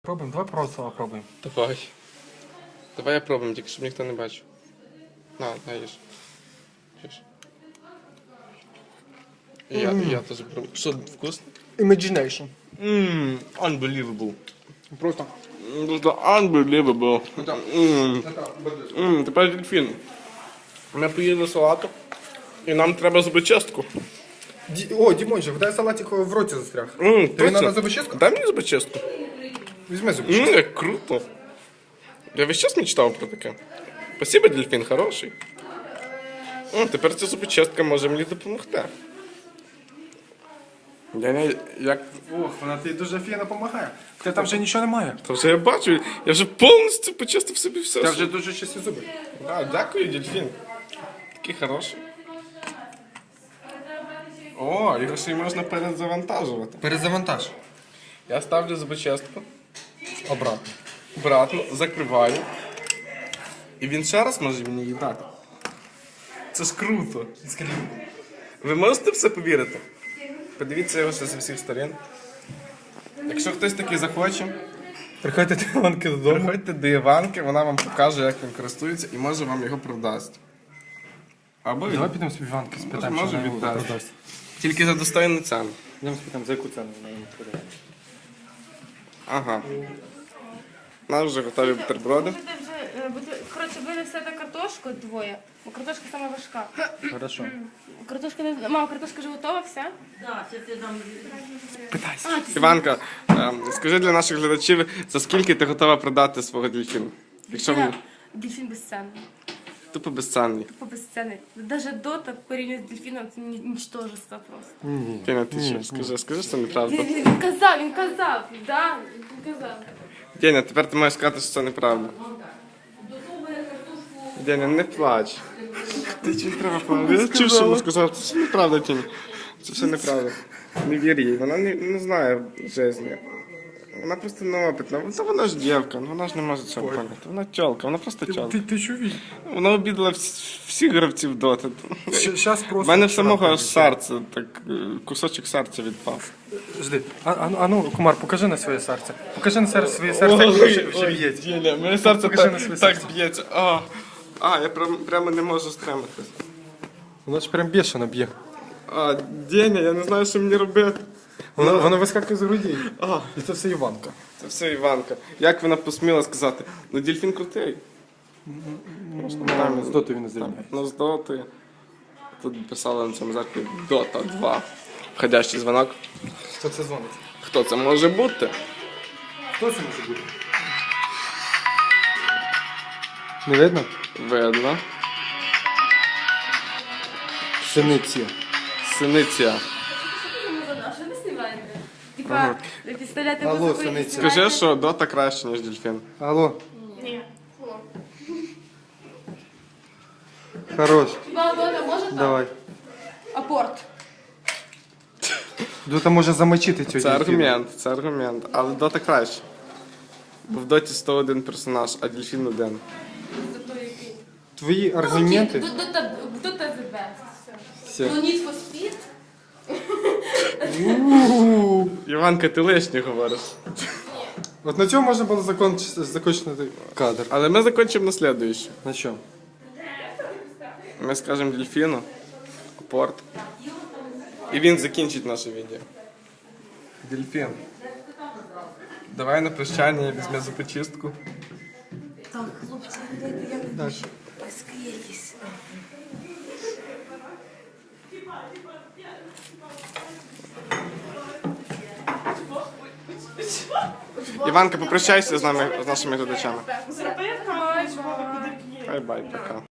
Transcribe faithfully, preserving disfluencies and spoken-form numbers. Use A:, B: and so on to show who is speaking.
A: Пробуємо, давай просто попробуємо.
B: Давай. Давай я пробуємо, тільки щоб ніхто не бачив. На, на, їж. Їж. І я, і я теж пробую. Що, вкусно?
A: Imagination.
B: Ммм, unbelievable.
A: Просто.
B: Просто unbelievable. Ммм, Ммм, тепер дельфін. Ми поїли салату, і нам треба зубочистку.
A: Ді... О, Дімончик, дай салатик в роті застряг.
B: Ммм,
A: Тобі треба зубочистку?
B: Дай мені зубочистку.
A: Візьми зубочистку.
B: Ммм, як круто. Я весь час мечтав про таке. Спасибо, дельфін, хороший. О, тепер ця зубочистка може мені допомогти. Я не, як...
A: Ох, вона тобі дуже фіно допомагає. Та там вже нічого немає.
B: Та вже я бачу, я вже повністю почистив собі все.
A: Та вже дуже чисті зуби.
B: Да, дякую, дельфін. Такий хороший. О, його ще й можна перезавантажувати.
A: Перезавантаж.
B: Я ставлю зубочистку,
A: Обратно.
B: обратно, закриваю. І він ще раз може мені її дати. Це ж круто. Ви можете в це повірити? Подивіться його ще з усіх сторін. Якщо хтось такий захоче,
A: Приходьте до Іванки додому.
B: приходьте до Іванки, вона вам покаже, як він користується, і може вам його продасть. Або
A: Давай
B: він...
A: підемо з Іванки, спитаємо,
B: Може,
A: що вона
B: віддасть.
A: продасть.
B: Тільки за достойну ціну.
A: Йдемо спитаємо, за яку ціну вона йому продає.
B: Ага. У нас вже готові бутерброди.
C: Будете вже, е, буде- коротше, ви несете картошку двоє, бо картошка сама важка.
A: Хорошо.
C: Картошка не... Мама, картошка вже готова, вся?
A: Питайся.
C: А, ти
B: Іванка, ем, скажи для наших глядачів, за скільки ти готова продати свого дельфіна? Якщо він
C: Дельфіна- Дельфін безцінний.
B: тупо безцінний.
C: Тупо безцінний. Навіть дота порівняно з дельфіном це ні- нічтожество просто.
A: Ні.
B: Тіна, ти
A: Ні,
B: що?
A: ні.
B: Скажи, скажи, що це неправда.
C: Він, він, він казав, він казав, да, він казав.
B: Деня, тепер ти маєш сказати, що це неправда. Деня, не плач. Ти чи не треба плакати? Я чув, що вона сказала, це все неправда, Тіня. Це все неправда. Не вір їй, вона не, не знає житті. Вона просто неопитна. Та вона ж дівка, ну вона ж не може цього поняти. Вона тьолка, вона просто тьолка.
A: Ти, ти що віч?
B: Вона обідала всі- всіх гравців доти.
A: Щас
B: У
A: просто...
B: мене в самого аж серце, так е, кусочок серця відпав.
A: Жди. А, а, ну- а ну, Кумар, покажи на своє серце. Покажи на серце своє серце, як воно вже, вже б'ється.
B: Діля, моє серце
A: Покажи
B: так,
A: на своє
B: так
A: серце.
B: б'ється. А, а, я прям, прямо не можу стриматись.
A: Воно ж прям бешено б'є.
B: А, Деня, я не знаю, що мені робити.
A: Воно, воно вискакує з грудей.
B: А,
A: І це все Іванка.
B: це все Іванка. Як вона посміла сказати? Ну, дельфін крутий.
A: Там з дотою він зрівняє.
B: Ну, з доти. Тут писали на цьому зеркалі Дота два. Входящий дзвонок.
A: Хто це дзвонить?
B: Хто це може бути?
A: Хто це може бути? Не видно?
B: Видно.
A: Синиці.
B: Синиця.
C: А що ви знімаєте? Типа, підставляти
A: Алло,
C: музику і
A: Сониця.
C: знімаєте?
B: Скажи, що дота краще, ніж дельфін.
A: Алло,
C: Ні. Фу.
A: хорош.
C: Хіба дота може так?
A: Давай.
C: Апорт.
A: Дота може замочити цю
B: Це аргумент, це аргумент. Але дота краще. Бо в доті сто один персонаж, а дельфін один.
C: Зато який.
A: Твої аргументи.
C: Ну, Дота Дота the best. Все.
A: Все.
C: Ну, Need for Speed.
B: Іванка, ти лишнє говориш.
A: От на цьому можна було закончити, закончити кадр.
B: Але ми закінчимо на слідуючу.
A: На що?
B: Ми скажемо дельфіну, порт. І він закінчить наше відео. Дельфін. Давай на прощання візьме зубочистку.
C: Так, хлопці, дайте я
A: Даш.
C: розкрийтесь.
B: Іванка, попрощайся з нами, з нашими глядачами.
C: Зробив, бай-бай.
B: Бай-бай, пока.